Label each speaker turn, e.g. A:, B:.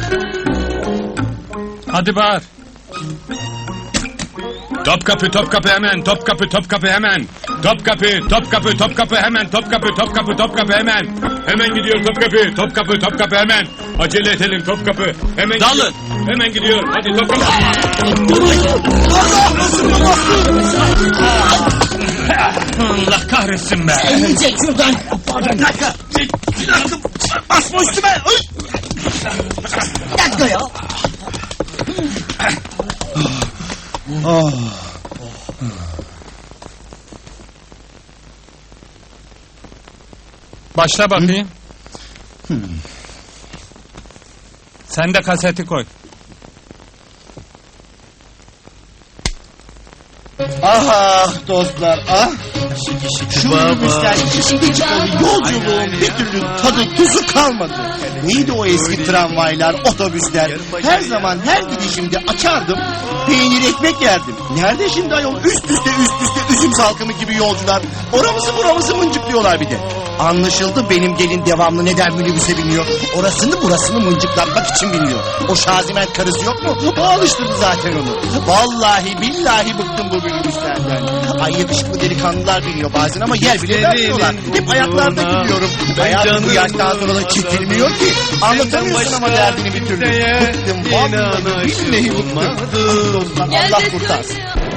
A: Hadi bağır.
B: Topkapı, Topkapı hemen, Topkapı, Topkapı hemen. Topkapı, Topkapı, Topkapı hemen, Topkapı, Topkapı, Topkapı hemen. Hemen gidiyor Topkapı, Topkapı, Topkapı hemen. Acele edelim Topkapı. Hemen
A: Dalın.
B: gidiyor. Hemen gidiyor. Hadi Topkapı.
A: Allah kahretsin be.
C: Çek şuradan.
D: Bir dakika. Basma üstüme.
C: Bir dakika ya.
A: Başla bakayım. Sen de kaseti koy.
D: Ah dostlar ah. Şu minibüsten içinde çıkalı yolculuğun bir türlü tadı tuzu kalmadı. Neydi o eski tramvaylar, otobüsler? Her zaman her gidişimde açardım, peynir ekmek yerdim. Nerede şimdi ayol üst üste üzüm salkımı gibi yolcular? Oramızı buramızı mıncıklıyorlar bir de. Anlaşıldı benim gelin devamlı neden minibüse biniyor. Orasını burasını mıncıklatmak için biniyor. O Şaziment karısı yok mu? O alıştırdı zaten onu. Vallahi billahi bıktım bu minibüslerden. Ay yakışıklı delikanlılar biniyor bazen ama yer bile vermiyorlar. Hep ayaklarda gidiyorum. Hayatım bu yaştan sonra da çekilmiyor ki. Anlatamıyorsun ama derdini bir türlü. Bıktım vallahi billahi bıktım. Dostlar Allah kurtarsın.